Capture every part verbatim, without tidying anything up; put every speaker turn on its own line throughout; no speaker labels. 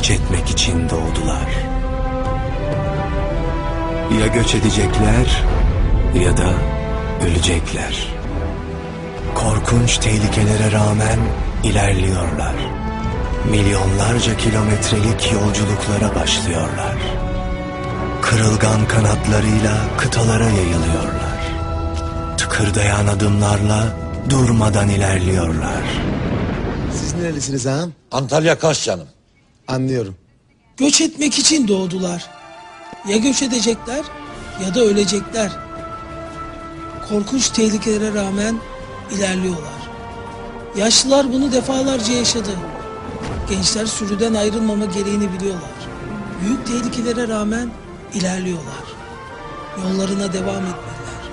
göç etmek için doğdular. Ya göç edecekler ya da ölecekler. Korkunç tehlikelere rağmen ilerliyorlar. Milyonlarca kilometrelik yolculuklara başlıyorlar. Kırılgan kanatlarıyla kıtalara yayılıyorlar. Tıkırdayan adımlarla durmadan ilerliyorlar.
Siz nerelisiniz ağam?
Antalya Kaş canım.
Anlıyorum.
Göç etmek için doğdular. Ya göç edecekler ya da ölecekler. Korkunç tehlikelere rağmen ilerliyorlar. Yaşlılar bunu defalarca yaşadı. Gençler sürüden ayrılmama gereğini biliyorlar. Büyük tehlikelere rağmen ilerliyorlar. Yollarına devam etmeliler.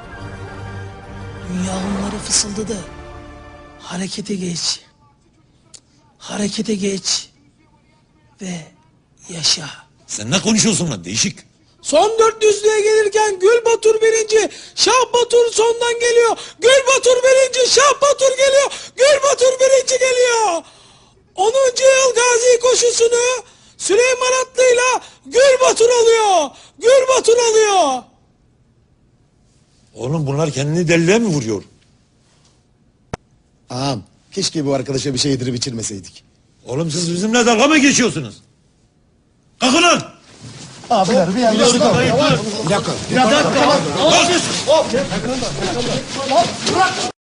Dünya onlara fısıldadı. Harekete geç. Harekete geç. Ve yaşa.
Sen ne konuşuyorsun lan değişik?
Son dört yüzlüğe gelirken Gül Batur birinci, Şah Batur sondan geliyor. Gül Batur birinci, Şah Batur geliyor. Gül Batur birinci geliyor. onuncu yıl Gazi koşusunu Süleyman Atlı'yla Gül Batur alıyor. Gül Batur alıyor.
Oğlum bunlar kendini deliliğe mi vuruyor?
Ağam keşke bu arkadaşa bir şey yedirip içirmeseydik.
Oğlum siz bizimle dalga mı geçiyorsunuz? Kalkın lan!
Abiler bir yanlışlık oldu.
Bir dakika.
Bir dakika.
Kalk!